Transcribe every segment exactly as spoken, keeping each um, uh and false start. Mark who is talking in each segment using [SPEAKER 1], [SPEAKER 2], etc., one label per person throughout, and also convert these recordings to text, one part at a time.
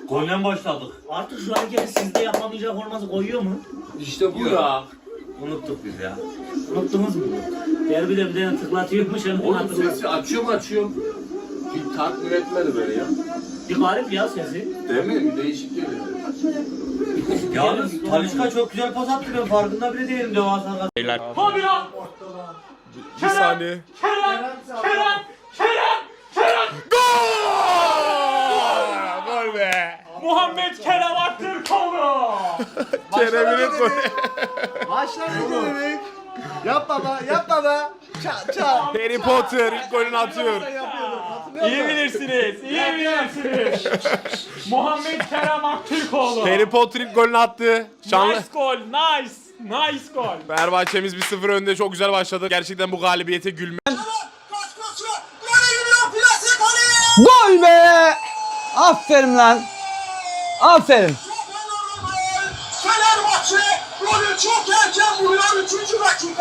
[SPEAKER 1] Golden başladık.
[SPEAKER 2] Artık şu hareketi sizde yapamayacak olması koyuyor mu?
[SPEAKER 3] İşte bu
[SPEAKER 1] Yok.
[SPEAKER 3] ya.
[SPEAKER 1] Unuttuk biz ya.
[SPEAKER 2] Unuttunuz mu? Derbide bir tane tıklatıyormuş hemen
[SPEAKER 3] Oğlum
[SPEAKER 2] hatırlat.
[SPEAKER 3] sesi açıyorum açıyorum. Bir tatmin etmedi böyle ya.
[SPEAKER 2] Bir garip ya sesi.
[SPEAKER 3] Değil mi? Bir değişik geliyor.
[SPEAKER 1] Yalnız Talişka çok güzel pas attı, ben farkında bile değilim devasa kadar.
[SPEAKER 4] Beyler.
[SPEAKER 5] Hadi ya.
[SPEAKER 4] Bir saniye.
[SPEAKER 5] Kerem, Kerem, Kerem, Kerem.
[SPEAKER 4] Gol! Gol be.
[SPEAKER 5] Muhammed Kerem Aktürkoğlu.
[SPEAKER 4] Kerem'in golü.
[SPEAKER 6] Başlar ne dedik? Yap baba, yap baba. Ça ça.
[SPEAKER 4] Harry Potter ilk golünü atıyor.
[SPEAKER 5] İyi bilirsiniz, iyi bilirsiniz. Muhammed Kerem Aktürkoğlu.
[SPEAKER 4] Harry Potter ilk golünü attı. Şanlı.
[SPEAKER 5] Nice gol, nice, nice gol.
[SPEAKER 4] Fenerbahçe'miz bir sıfır önde, çok güzel başladı. Gerçekten bu galibiyete gülme.
[SPEAKER 6] Gol be! Aferin lan. Aferin.
[SPEAKER 7] Fenerbahçe golü çok erken vuruyor üçüncü dakika.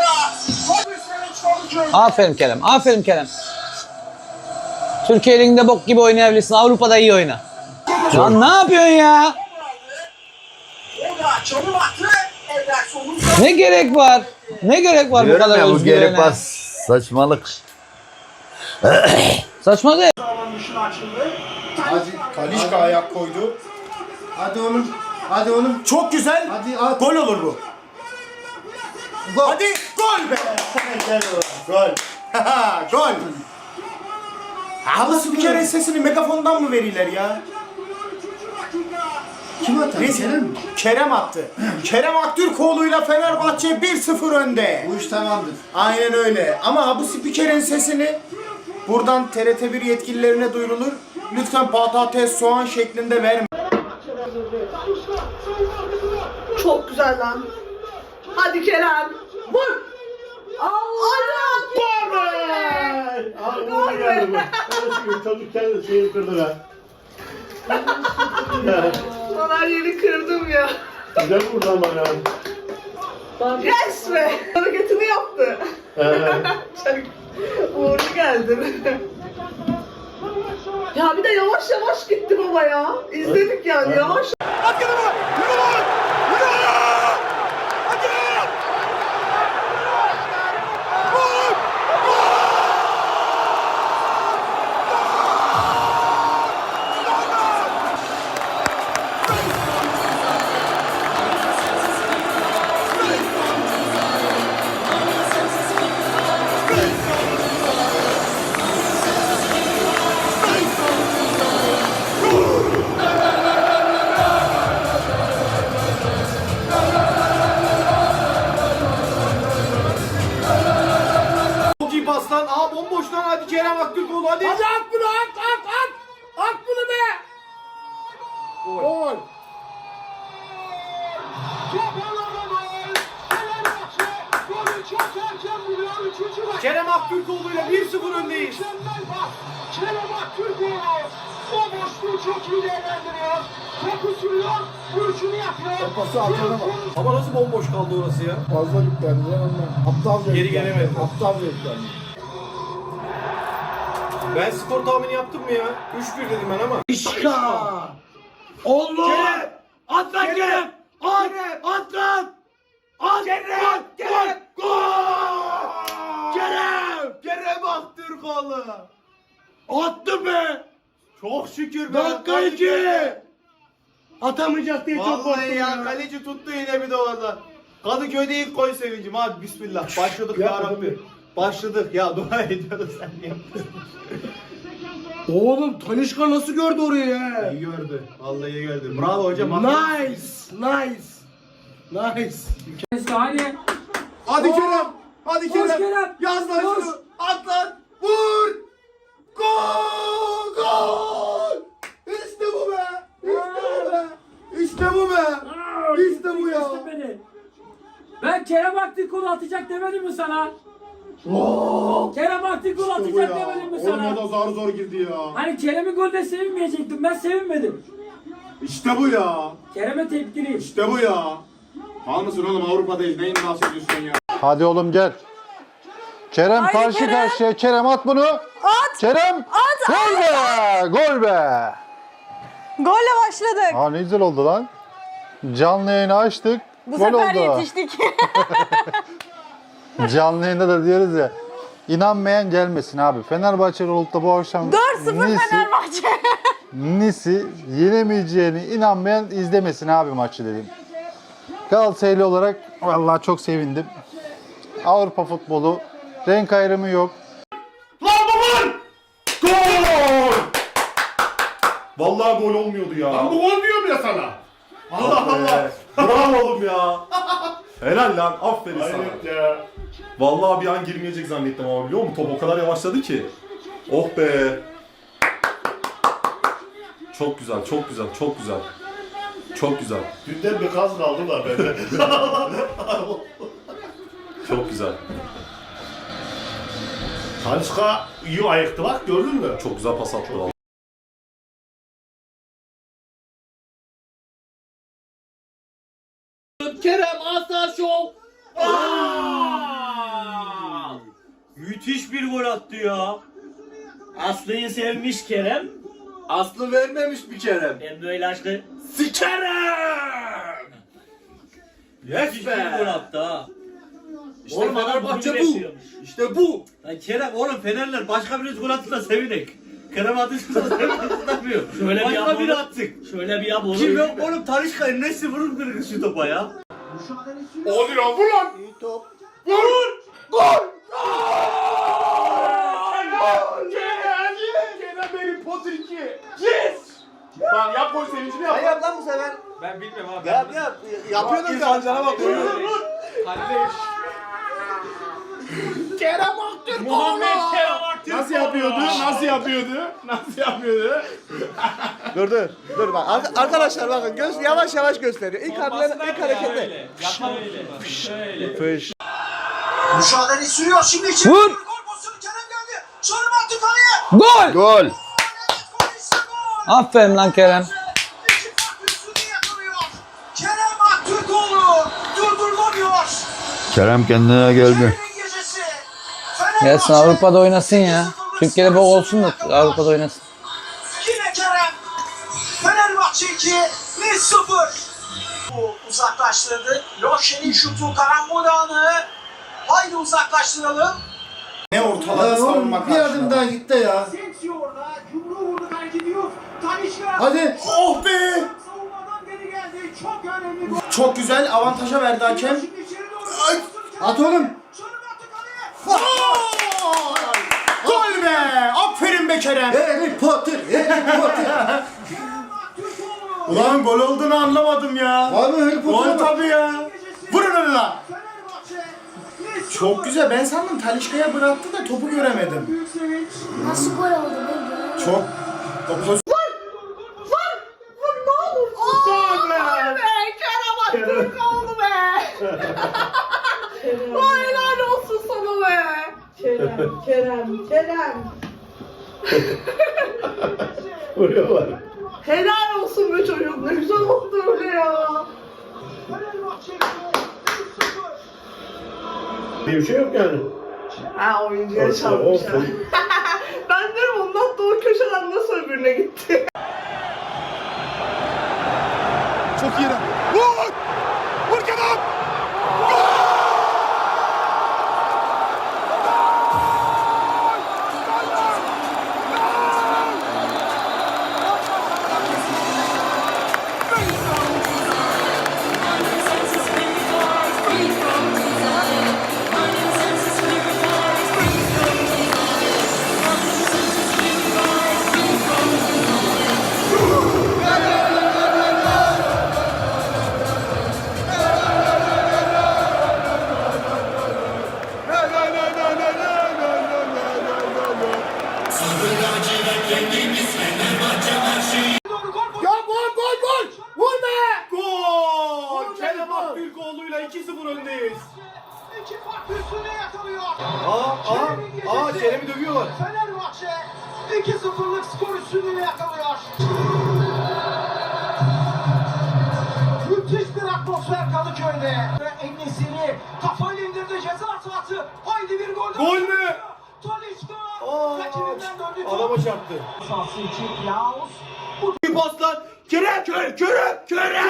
[SPEAKER 6] Aferin Kerem. Aferin Kerem. Türkiye Ligi'nde bok gibi oynayabilirsin. Avrupa'da iyi oyna. Lan ne yapıyorsun ya?
[SPEAKER 7] O da çalım attı. Ederson'un
[SPEAKER 6] Ne gerek var? Ne gerek var bu
[SPEAKER 8] Diyorum
[SPEAKER 6] kadar
[SPEAKER 8] ya, bu
[SPEAKER 6] özgüvene?
[SPEAKER 8] geri pas saçmalık.
[SPEAKER 6] Saçma değil.
[SPEAKER 7] sağlam dışına açıldı.
[SPEAKER 9] Hadi Kalişka ayak koydu. Hadi oğlum. Hadi oğlum. Çok güzel. Hadi at. Gol olur bu. Gol. Hadi gol be. Gol. Gol. Ama spikerin sesini megafondan mı verirler ya? Kim attı? Kerem. Kerem attı. Kerem Aktürkoğlu'yla Fenerbahçe bir sıfır önde. Bu iş tamamdır. Aynen öyle. Ama bu spikerin sesini buradan T R T bir yetkililerine duyurulur. Lütfen patates, soğan şeklinde verme.
[SPEAKER 7] Çok güzel lan. Hadi Kerem. Vur. Allah! Gol be! Gol be!
[SPEAKER 9] Çocuk kendi şeyi kırdı be.
[SPEAKER 7] Bana yeri kırdım ya.
[SPEAKER 9] Güzel vurdu ama ya.
[SPEAKER 7] Yes be! Hareketini yaptı. Çok uğurlu geldin. Ya bir de yavaş yavaş gitti baba ya. İzledik yani yavaş.
[SPEAKER 9] Çok iyi pas lan. Aa bomboş lan, hadi Kerem Aktürkoğlu hadi. Hadi at bunu, at at at. At bunu be. Gol. Kerem Aktürkoğlu'yla bir sıfır öndeyiz.
[SPEAKER 7] Kerem Aktürkoğlu o boşluğu çok iyi değerlendiriyor. Topu sürüyor, vuruşunu yapıyor.
[SPEAKER 9] Pası atana bak. Ama nasıl bomboş kaldı orası ya?
[SPEAKER 10] Fazla yüklendi lan onlar. Aptalca
[SPEAKER 9] Geri
[SPEAKER 10] yüklendi.
[SPEAKER 9] gelemedi.
[SPEAKER 10] Aptalca yüklendi.
[SPEAKER 9] Ben skor tahmini yaptım mı ya? üç bir dedim ben ama.
[SPEAKER 6] İşka. Allah. At lan Kerem. At. At lan. At. Kerem. Kerem. Gol. Kerem.
[SPEAKER 9] Kerem Aktürkoğlu.
[SPEAKER 6] Attı be.
[SPEAKER 9] Çok şükür be.
[SPEAKER 6] Dakika iki. Atamayacak diye çok
[SPEAKER 9] Vallahi
[SPEAKER 6] korktum
[SPEAKER 9] ya,
[SPEAKER 6] ya.
[SPEAKER 9] kaleci tuttu yine bir de orada. Kadıköy'de ilk gol sevincim, hadi bismillah. Başladık ya Rabbi. Başladık ya, dua ediyoruz sen niye?
[SPEAKER 6] Oğlum Talişka nasıl gördü orayı ya?
[SPEAKER 9] İyi gördü. Vallahi iyi gördü. Bravo hocam.
[SPEAKER 6] Nice. Nice. Nice.
[SPEAKER 5] Hadi.
[SPEAKER 9] Hadi Kerem. Hadi
[SPEAKER 5] Koş
[SPEAKER 9] Kerem.
[SPEAKER 5] Kerem.
[SPEAKER 9] Yaz lan
[SPEAKER 5] Koş.
[SPEAKER 9] şunu. At lan. Vur. Gol. Gol. İşte bu be. İşte bu be. İşte bu be. İşte bu ya.
[SPEAKER 5] Beni. Ben Kerem Aktürkoğlu atacak demedim mi sana? Kerem Aktürkoğlu atacak demedim mi sana?
[SPEAKER 9] Olmadı, zar zor girdi ya.
[SPEAKER 5] Hani Kerem'in golde sevinmeyecektim, ben sevinmedim.
[SPEAKER 9] İşte bu ya.
[SPEAKER 5] Kerem'e tepkiliyim.
[SPEAKER 9] İşte bu ya. Mal mısın oğlum, Avrupa'dayız. Neyin bahsediyorsun ya?
[SPEAKER 10] Hadi oğlum gel. Kerem
[SPEAKER 7] Haydi
[SPEAKER 10] karşı
[SPEAKER 7] Kerem.
[SPEAKER 10] karşıya. Kerem at bunu.
[SPEAKER 7] At.
[SPEAKER 10] Kerem.
[SPEAKER 7] At.
[SPEAKER 10] Gol be. Gol be.
[SPEAKER 11] Golle başladık.
[SPEAKER 10] Aa ne güzel oldu lan. Canlı yayını açtık.
[SPEAKER 11] Bu
[SPEAKER 10] gol
[SPEAKER 11] sefer
[SPEAKER 10] oldu.
[SPEAKER 11] yetiştik.
[SPEAKER 10] Canlı yayında da diyoruz ya. İnanmayan gelmesin abi. Fenerbahçeli olup da bu akşam
[SPEAKER 11] dört sıfır
[SPEAKER 10] Nice'i-
[SPEAKER 11] Fenerbahçe.
[SPEAKER 10] Nice'i yenemeyeceğini inanmayan izlemesin abi maçı dedim. Galatasaraylı olarak vallahi çok sevindim. Avrupa futbolu renk ayrımı yok.
[SPEAKER 6] Lan bu gol! Gol! Vallahi gol olmuyordu ya. Lan bu gol diyorum ya sana. Allah Allah. Bravo oğlum ya. Helal lan. Aferin sana. Hayret ya. Vallahi bir an girmeyecek zannettim ama biliyor musun? Top o kadar yavaşladı ki. Oh be. Çok güzel, çok güzel, çok güzel. Çok güzel.
[SPEAKER 12] Dünden bir kaz kaldı da bende.
[SPEAKER 6] Çok güzel.
[SPEAKER 12] Tanışka iyi ayıktı bak gördün mü?
[SPEAKER 6] Çok güzel pas attı vallahi.
[SPEAKER 1] Kerem Aslan Şov. Müthiş bir gol attı ya.
[SPEAKER 2] Aslı'yı sevmiş Kerem.
[SPEAKER 3] Aslı vermemiş bir Kerem.
[SPEAKER 2] Ben böyle aşkı
[SPEAKER 6] Sikerim!
[SPEAKER 1] Müthiş bir gol attı ha.
[SPEAKER 6] İşte
[SPEAKER 2] Oğlum adam
[SPEAKER 6] Fenerbahçe
[SPEAKER 2] bunu
[SPEAKER 6] bu.
[SPEAKER 2] bekliyormuş.
[SPEAKER 6] İşte bu.
[SPEAKER 1] Lan Kerem oğlum Fenerler başka birisi gol attı da sevinek. Kerem atışta sevinmiyor.
[SPEAKER 2] Şöyle bir
[SPEAKER 1] Başka
[SPEAKER 2] yap
[SPEAKER 1] biri
[SPEAKER 2] oğlum.
[SPEAKER 1] attık.
[SPEAKER 2] Şöyle bir yap oğlum.
[SPEAKER 1] Kim yok oğlum Talişka'nın nesi vurur kırgız şu topa ya.
[SPEAKER 6] Oluyor vur lan.
[SPEAKER 9] Vur! Gol!
[SPEAKER 6] Kerem! Kerem benim pot iki. Yes! Lan yap gol sevincini yap.
[SPEAKER 9] Yap lan bu sefer.
[SPEAKER 1] Ben bilmiyorum abi.
[SPEAKER 9] Yap yap. Yapıyordun ya.
[SPEAKER 6] bak. Vur vur.
[SPEAKER 9] Kerem Aktürkoğlu.
[SPEAKER 1] Muhammed Kerem Aktürkoğlu.
[SPEAKER 6] Nasıl yapıyordu? Nasıl yapıyordu? Nasıl yapıyordu?
[SPEAKER 9] Dur dur. Dur bak. Ar- arkadaşlar bakın göz yavaş yavaş gösteriyor. İlk hamle ilk harekette. Fış.
[SPEAKER 7] Mücadele sürüyor şimdi içeri.
[SPEAKER 11] Vur.
[SPEAKER 7] Gol pozisyonu Kerem geldi. Şarım attı kaleye.
[SPEAKER 11] Gol.
[SPEAKER 10] Gol.
[SPEAKER 7] Evet, gol işte gol.
[SPEAKER 11] Aferin lan Kerem.
[SPEAKER 7] İki farklı üstünü yakalıyor. Kerem Aktürkoğlu durdurulamıyor.
[SPEAKER 8] Kerem kendine geldi.
[SPEAKER 7] Kerem'in gecesi. Fenerbahçe
[SPEAKER 11] Gelsin Avrupa'da oynasın ya. Türkiye'de bol olsun da Avrupa'da oynasın.
[SPEAKER 7] Yine Kerem. Fenerbahçe iki, Nice sıfır. Bu uzaklaştırdı. Loşen'in şutu karambol anı. Haydi uzaklaştıralım.
[SPEAKER 9] Ne ortaladı savunma karşına.
[SPEAKER 10] Bir adım daha gitti ya.
[SPEAKER 7] Sensi orada. Yumruğu vurdu belki diyor. Tanışka.
[SPEAKER 10] Hadi.
[SPEAKER 9] Oh be!
[SPEAKER 7] Savunmadan geri geldi. Çok önemli gol.
[SPEAKER 9] Çok güzel avantaja verdi hakem.
[SPEAKER 7] Şimdi içeri doğru.
[SPEAKER 9] Ay,
[SPEAKER 10] at oğlum.
[SPEAKER 7] Şarım attı kaleye.
[SPEAKER 9] Gol be! Aferin be Kerem.
[SPEAKER 10] Harry Potter. Harry Potter.
[SPEAKER 7] Kerem Aktürkoğlu.
[SPEAKER 9] Ulan gol olduğunu anlamadım ya.
[SPEAKER 10] Abi Harry
[SPEAKER 9] Gol
[SPEAKER 10] Potter'a bak.
[SPEAKER 9] tabii ya. Vurun onu lan.
[SPEAKER 7] Fenerbahçe. Nice
[SPEAKER 9] Çok
[SPEAKER 7] sıfır.
[SPEAKER 9] güzel. Ben sandım Talişka'ya bıraktı da topu göremedim.
[SPEAKER 7] Büyük sevinç.
[SPEAKER 11] Nasıl gol oldu be?
[SPEAKER 9] Çok. O poz-
[SPEAKER 7] Gol be. Kerem Aktürkoğlu be. Vay helal olsun sana be.
[SPEAKER 13] Kerem, Kerem, Kerem.
[SPEAKER 12] Vuruyorlar.
[SPEAKER 13] Helal olsun be çocuk. Ne güzel oldu öyle ya.
[SPEAKER 7] Fenerbahçe bir sıfır.
[SPEAKER 12] Bir şey yok yani.
[SPEAKER 13] Ha oyuncuya çalmışlar. Ben derim ondan da o köşeden nasıl öbürüne gitti.
[SPEAKER 6] Çok iyi. Vur! Vur Kerem!
[SPEAKER 9] Ya gol gol gol. Vur be. Gol. Kerem Aktürkoğlu'yla iki sıfır öndeyiz.
[SPEAKER 7] İki farklı üstüne yakalıyor.
[SPEAKER 9] Aa aa aa Kerem'i dövüyorlar.
[SPEAKER 7] Fenerbahçe iki sıfırlık skor üstünlüğü yakalıyor. Müthiş bir atmosfer Kadıköy'de. En-Nesyri kafayla indirdi ceza sahası. Haydi bir gol.
[SPEAKER 9] Gol mü?
[SPEAKER 7] Talisca
[SPEAKER 9] Aa,
[SPEAKER 7] rakibinden döndü.
[SPEAKER 9] adama çarptı.
[SPEAKER 7] Sahası için Klaus. Bu pas lan. Kerem. Kerem. Kerem. Kerem.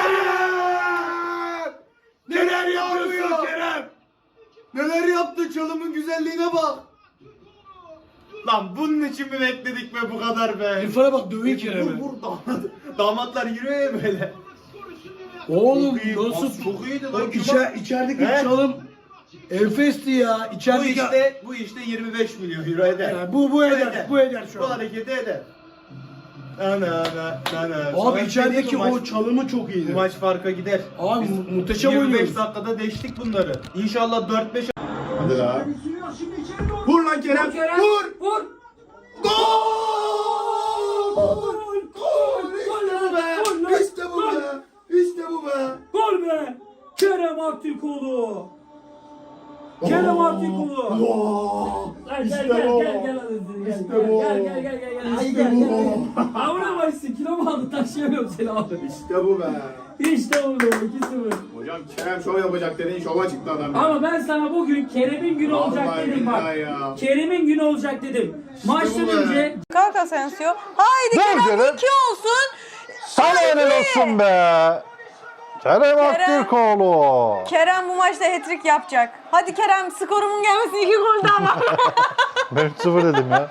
[SPEAKER 7] Neler yapıyorsun Kerem? Neler yaptı, çalımın güzelliğine bak. Lan bunun için mi bekledik be bu kadar be? İrfan'a bak dövüyor Kerem'i. Vur damat. Damatlar yürüyor ya böyle.
[SPEAKER 12] Oğlum
[SPEAKER 7] Çok
[SPEAKER 12] nasıl?
[SPEAKER 7] iyi, çok iyiydi lan.
[SPEAKER 12] İçer, içerideki
[SPEAKER 7] He?
[SPEAKER 12] çalım enfesti ya.
[SPEAKER 7] Bu
[SPEAKER 12] İçerideki...
[SPEAKER 7] işte, bu işte yirmi beş milyon euro eder.
[SPEAKER 12] Yani bu, bu eder,
[SPEAKER 7] eder.
[SPEAKER 12] bu eder şu
[SPEAKER 7] Bu
[SPEAKER 12] an.
[SPEAKER 7] hareketi eder. Ana ana ana.
[SPEAKER 12] Abi içerideki o çalımı çok
[SPEAKER 7] Bu
[SPEAKER 12] iyiydi.
[SPEAKER 7] maç farka gider.
[SPEAKER 12] Abi
[SPEAKER 7] Biz
[SPEAKER 12] mu- muhteşem
[SPEAKER 7] yirmi beş
[SPEAKER 12] oynuyoruz.
[SPEAKER 7] dakikada deştik bunları. İnşallah dört beş.
[SPEAKER 6] Hadi la.
[SPEAKER 7] Vur lan Kerem.
[SPEAKER 5] Kerem.
[SPEAKER 7] Vur.
[SPEAKER 5] Vur.
[SPEAKER 7] Gol!
[SPEAKER 5] Gol. Gol.
[SPEAKER 7] İşte bu be.
[SPEAKER 5] Gol lan.
[SPEAKER 7] İşte bu be. İşte bu be.
[SPEAKER 5] Gol be. Kerem Aktürkoğlu. Kerem Aktürkoğlu. Gel gel gel gel gel hadi gel gel gel gel gel gel hadi gel gel. Avra başsın kilo mu aldı taşıyamıyorum seni abi.
[SPEAKER 7] İşte bu be.
[SPEAKER 5] İşte oldu iki sıfır.
[SPEAKER 7] Hocam Kerem şov yapacak dediğin şova çıktı adam. ya.
[SPEAKER 5] Ama ben sana bugün Kerem'in günü olacak
[SPEAKER 7] Vallahi
[SPEAKER 5] dedim bak.
[SPEAKER 7] billahi ya.
[SPEAKER 5] Kerem'in günü olacak dedim. Maçtan
[SPEAKER 7] bu be.
[SPEAKER 5] önce
[SPEAKER 14] Kalk Asensio. Haydi
[SPEAKER 10] Dur
[SPEAKER 14] Kerem
[SPEAKER 10] Kerem.
[SPEAKER 14] iki olsun.
[SPEAKER 10] Sana helal olsun be. Kerem Aktürkoğlu.
[SPEAKER 14] Kerem bu maçta hat-trick yapacak. Hadi Kerem, skorumun gelmesi iki gol daha var.
[SPEAKER 10] Ben üç sıfır dedim ya.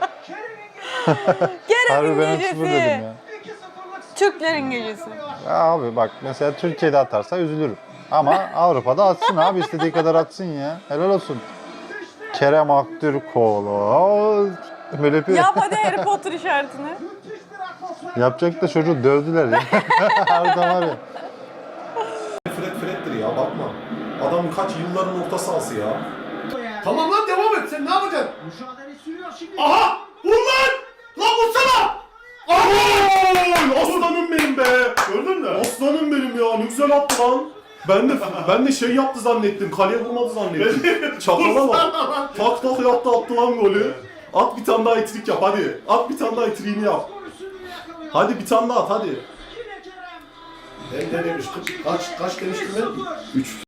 [SPEAKER 10] Harbi
[SPEAKER 14] Kerem'in
[SPEAKER 10] ben üç sıfır dedim
[SPEAKER 14] gecesi.
[SPEAKER 10] ya.
[SPEAKER 14] Türklerin gecesi.
[SPEAKER 10] Ya abi bak mesela Türkiye'de atarsa üzülürüm. Ama Avrupa'da atsın abi, istediği kadar atsın ya. Helal olsun. Kerem Aktürkoğlu. Böyle yapıyor.
[SPEAKER 14] Yap hadi Harry Potter işaretini.
[SPEAKER 10] Yapacak da çocuğu dövdüler ya. Harbiden var ya.
[SPEAKER 6] Fred Fred'dir ya, bakma. Adam kaç yılların orta sahası ya.
[SPEAKER 12] Tamam lan devam et. Sen ne yapacaksın?
[SPEAKER 6] Aha! Vur lan! Lan vursana! Aha! Aslanım benim be!
[SPEAKER 12] Gördün mü?
[SPEAKER 6] Aslanım benim ya, ne güzel attı lan. Ben de ben de şey yaptı zannettim, kaleye vurmadı zannettim. Çakala bak. Tak tak yaptı, attı lan golü. At bir tane daha etrik yap hadi. At bir tane daha etriğini yap. Hadi bir tane daha at hadi.
[SPEAKER 12] Ben ne demiştim? Kaç, kaç demiştim ben?
[SPEAKER 6] üç.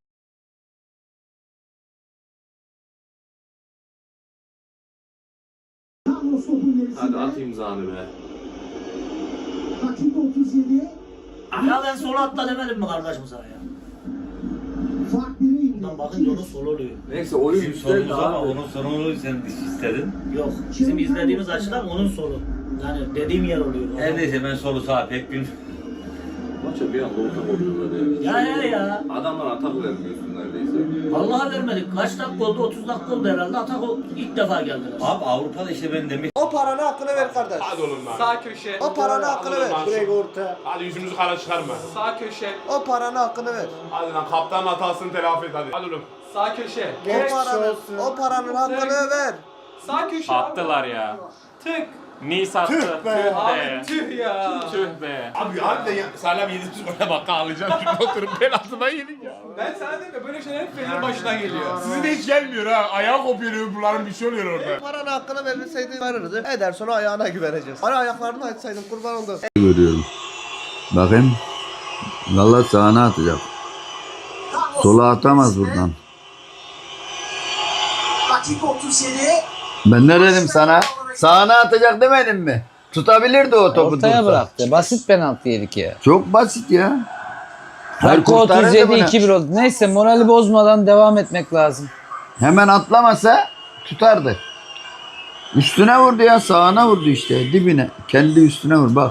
[SPEAKER 3] Hadi at imzanı be.
[SPEAKER 2] Ya ben solo atla demedim mi kardeşim sana ya? Bundan bakınca onun solo oluyor.
[SPEAKER 3] Neyse oyun
[SPEAKER 1] Bizim
[SPEAKER 3] güzel
[SPEAKER 1] sorumuz ama
[SPEAKER 3] abi.
[SPEAKER 1] onun sorumunu sen istedin.
[SPEAKER 2] Yok. Bizim izlediğimiz açıdan onun solo. Yani dediğim yer oluyor.
[SPEAKER 1] Her neyse ben solu sağa pek bilmiyorum.
[SPEAKER 3] Maça bir anda ortak oluyorlar ya.
[SPEAKER 2] Ya ya ya.
[SPEAKER 3] Adamlar atak vermiyorsun neredeyse.
[SPEAKER 2] Vallahi vermedik. Kaç dakika oldu? otuz dakika oldu herhalde. Atak o ilk defa geldiler.
[SPEAKER 1] Abi Avrupa'da işte ben demek.
[SPEAKER 9] O paranı hakkını ver kardeş.
[SPEAKER 12] Hadi oğlum lan.
[SPEAKER 13] Sağ köşe.
[SPEAKER 9] O paranı hakkını ver.
[SPEAKER 12] Direkt
[SPEAKER 9] orta.
[SPEAKER 12] Hadi yüzümüzü kara çıkarma.
[SPEAKER 13] Sağ köşe.
[SPEAKER 9] O paranı hakkını ver.
[SPEAKER 12] Hadi lan kaptanın hatasını telafi et hadi. Hadi oğlum.
[SPEAKER 13] Sağ köşe.
[SPEAKER 9] O paranın, o paranın hakkını ver.
[SPEAKER 13] Sağ köşe.
[SPEAKER 3] Attılar ya.
[SPEAKER 13] Tık.
[SPEAKER 3] Nice attı.
[SPEAKER 9] Tüh be.
[SPEAKER 13] Abi tüh ya.
[SPEAKER 3] Tüh be.
[SPEAKER 12] Abi harbiden ya. Salam yediğimiz gole bak ağlayacağım. Şimdi oturup penaltıdan yedik ya.
[SPEAKER 13] Ben sana dedim ya böyle şeyler hep Fener'in başına geliyor.
[SPEAKER 12] Sizin de hiç gelmiyor ha. Ayağı kopuyor bunların, bir şey oluyor orada.
[SPEAKER 9] Paranın hakkını verirseydin verirdi. Ederson ayağına güveneceğiz. Hani ayaklarını açsaydın kurban oldum.
[SPEAKER 8] Görüyorum. Bakayım. Valla sağına atacak. Sola atamaz buradan. Ben ne dedim sana? Sağına atacak demedim mi? Tutabilirdi o topu.
[SPEAKER 11] Ortaya
[SPEAKER 8] tutsa.
[SPEAKER 11] bıraktı. Basit penaltı yedik ya.
[SPEAKER 8] Çok basit ya.
[SPEAKER 11] Dakika otuz yedi iki bir oldu. Neyse morali bozmadan devam etmek lazım.
[SPEAKER 8] Hemen atlamasa tutardı. Üstüne vurdu ya, sağına vurdu işte, dibine. Kendi üstüne vur bak.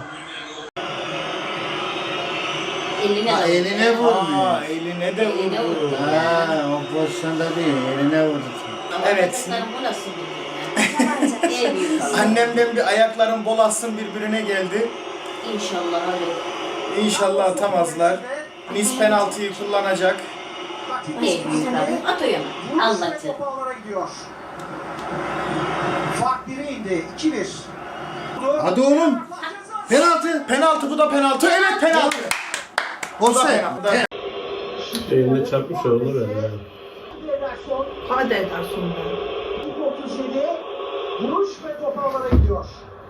[SPEAKER 14] Eline,
[SPEAKER 9] Ha, eline vurdu.
[SPEAKER 14] Aa,
[SPEAKER 9] eline de
[SPEAKER 14] Eline vurdu.
[SPEAKER 9] Ha, o pozisyonda değil, eline vurdu. Evet.
[SPEAKER 14] Bu nasıl bir
[SPEAKER 9] Annemden bir ayakların bol atsın birbirine geldi.
[SPEAKER 14] İnşallah hadi.
[SPEAKER 9] İnşallah atamazlar. Nis penaltıyı kullanacak.
[SPEAKER 14] Ne? Atıyor. Anlatı.
[SPEAKER 7] Fark bire indi. iki bir.
[SPEAKER 9] Hadi oğlum. Penaltı. Penaltı, bu da penaltı. Evet penaltı. Olsa.
[SPEAKER 12] Eline çarpmış olur ya.
[SPEAKER 13] Hadi Ederson be.
[SPEAKER 7] otuz yedi. Vuruş ve top ağlara gidiyor.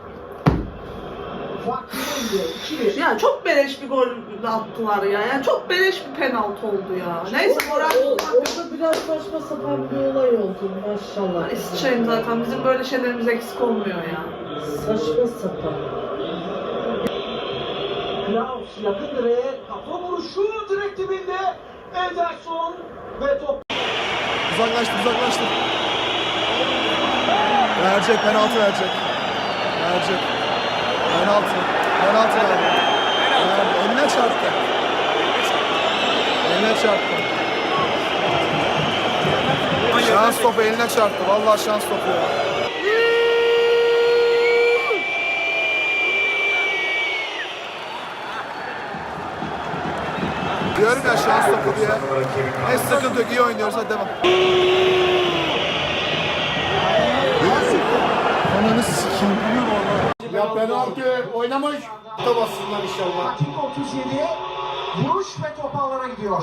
[SPEAKER 7] Fark bire indi. iki bir.
[SPEAKER 13] Ya çok beleş bir gol attılar ya. Yani çok beleş bir penaltı oldu ya. Neyse moral
[SPEAKER 5] Orada biraz saçma sapan bir olay oldu maşallah.
[SPEAKER 13] İsviçre'nin zaten bizim böyle şeylerimiz eksik olmuyor ya.
[SPEAKER 5] Saçma sapan.
[SPEAKER 7] Klaus yakın direğe kafa vuruşu direkt dibinde. Ederson ve top.
[SPEAKER 9] Uzaklaştı, uzaklaştı. Verecek, penaltı verecek. Verecek. Penaltı. Penaltı verdi. Verdi. Eline çarptı. Eline çarptı. Şans topu eline çarptı. Vallahi şans topu ya. Diyorum ya şans topu diye. Ne sıkıntı yok, iyi oynuyoruz, hadi devam. Ananı sikeyim.
[SPEAKER 12] Ya penaltı oynamış.
[SPEAKER 7] Bassınlar inşallah. Dakika otuz yedi. Vuruş ve top ağlara gidiyor.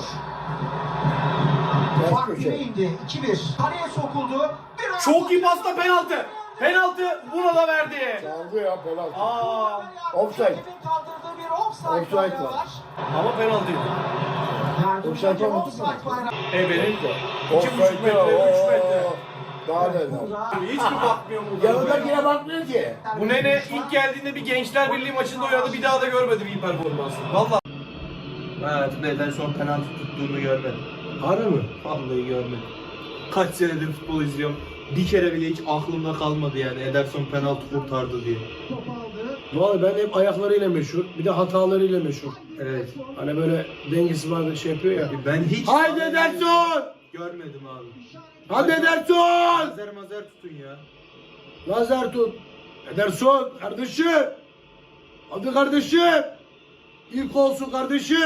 [SPEAKER 7] Fark bire indi. iki bir. Kaleye sokuldu. Çok iyi pasta penaltı. Penaltı buna da verdi.
[SPEAKER 12] Çaldı ya penaltı.
[SPEAKER 7] Aa,
[SPEAKER 12] Offside.
[SPEAKER 7] kaldırdığı bir offside,
[SPEAKER 12] Offside var.
[SPEAKER 1] Ama penaltıydı.
[SPEAKER 12] Offside olmadı mı?
[SPEAKER 1] E benim.
[SPEAKER 12] Offside ya.
[SPEAKER 1] üç metre.
[SPEAKER 12] Daha ne?
[SPEAKER 7] Hiç mi bakmıyor mu?
[SPEAKER 12] Yanındakine bakmıyor ki.
[SPEAKER 1] Bu nene ilk geldiğinde bir Gençler Birliği maçında oynadı, bir daha da görmedim iyi performansı. Valla. Hayatımda Ederson penaltı tuttuğunu görmedim.
[SPEAKER 7] Harbi mi?
[SPEAKER 1] Vallahi görmedim. Kaç senedir futbol izliyorum. Bir kere bile hiç aklımda kalmadı yani Ederson penaltı kurtardı diye.
[SPEAKER 7] Vallahi ben hep ayaklarıyla meşhur. Bir de hatalarıyla meşhur.
[SPEAKER 1] Evet.
[SPEAKER 7] Hani böyle dengesi var bir şey yapıyor ya.
[SPEAKER 1] Ben hiç...
[SPEAKER 7] Haydi Ederson!
[SPEAKER 1] Görmedim abi.
[SPEAKER 7] Hadi Ederson!
[SPEAKER 1] Mazer mazer tutun ya.
[SPEAKER 7] Lazer tut. Ederson kardeşim. Hadi kardeşim. İlk olsun kardeşim.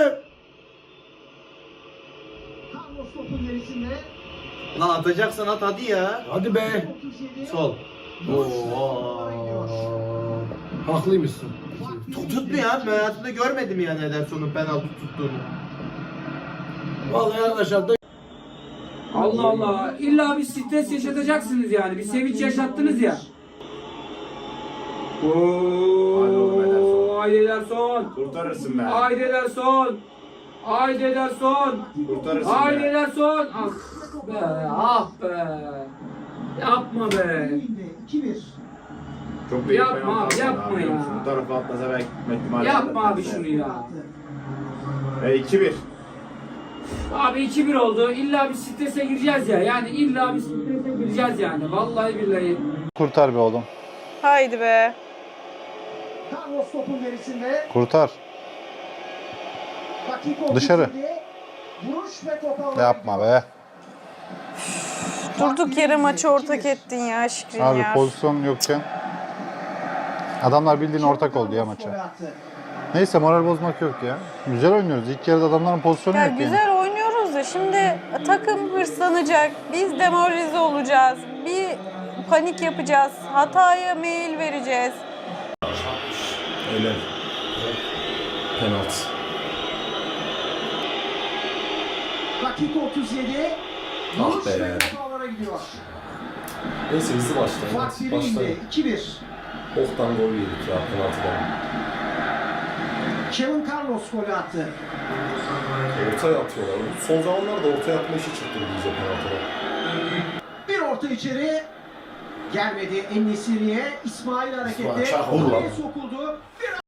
[SPEAKER 7] Carlos topun gerisinde.
[SPEAKER 1] Lan atacaksan at hadi ya.
[SPEAKER 7] Hadi be.
[SPEAKER 1] Sol. Oo.
[SPEAKER 7] Haklıymışsın.
[SPEAKER 1] Tut, tutmuyor abi. Ben hayatımda görmedim yani Ederson'un penaltı tuttuğunu.
[SPEAKER 7] Vallahi arkadaşlar da
[SPEAKER 5] Allah Allah. İlla bir stres yaşatacaksınız yani. Bir sevinç yaşattınız ya. Ooo. Haydi Ederson.
[SPEAKER 12] Kurtarırsın be.
[SPEAKER 5] Haydi Ederson. Haydi Ederson.
[SPEAKER 12] Kurtarırsın
[SPEAKER 5] Haydi
[SPEAKER 12] be.
[SPEAKER 5] Ederson. Ah be. Ah be. Yapma be.
[SPEAKER 12] Çok büyük
[SPEAKER 5] Yapma
[SPEAKER 12] penaltı
[SPEAKER 5] abi,
[SPEAKER 12] aldı
[SPEAKER 5] yapma
[SPEAKER 12] abi.
[SPEAKER 5] ya.
[SPEAKER 12] Bu tarafa atlasa belki gitme ihtimali
[SPEAKER 5] Yapma
[SPEAKER 12] var.
[SPEAKER 5] abi şunu ya.
[SPEAKER 12] E iki bir.
[SPEAKER 5] Abi iki bir oldu. İlla bir strese gireceğiz ya. Yani illa bir strese gireceğiz yani. Vallahi billahi.
[SPEAKER 10] Kurtar be oğlum.
[SPEAKER 14] Haydi be.
[SPEAKER 7] Carlos topun gerisinde.
[SPEAKER 10] Kurtar.
[SPEAKER 7] Dakika
[SPEAKER 10] Dışarı.
[SPEAKER 7] otuz yedi. Vuruş ve top ağlara
[SPEAKER 10] Yapma be.
[SPEAKER 14] Durduk yere maçı ortak ettin ya Şikrin
[SPEAKER 10] Abi
[SPEAKER 14] ya.
[SPEAKER 10] pozisyon yokken. Adamlar bildiğin ortak oldu ya maça. Neyse moral bozmak yok ya. Güzel oynuyoruz. İlk yarıda adamların pozisyonu
[SPEAKER 14] Ya
[SPEAKER 10] yok yani.
[SPEAKER 14] güzel oynuyoruz da şimdi takım hırslanacak. Biz demoralize olacağız. Bir panik yapacağız. Hataya mail vereceğiz.
[SPEAKER 6] Öyle. Penaltı.
[SPEAKER 7] Dakika otuz yedi.
[SPEAKER 6] Ah
[SPEAKER 7] Vuruş
[SPEAKER 6] be.
[SPEAKER 7] ve top ağlara gidiyor.
[SPEAKER 6] Neyse hızlı başlayın.
[SPEAKER 7] Fark bire
[SPEAKER 6] Başlayın.
[SPEAKER 7] indi. iki bir.
[SPEAKER 6] Oktan gol yedik ya penaltıdan.
[SPEAKER 7] Kevin Carlos golü attı.
[SPEAKER 6] Ortaya atıyorlar. Son zamanlarda ortaya atma işi çıktı bize penaltıda.
[SPEAKER 7] Bir orta içeri. Gelmedi En-Nesyri'ye. İsmail hareketli.
[SPEAKER 6] İsmail çak olur lan.
[SPEAKER 7] Sokuldu. Bir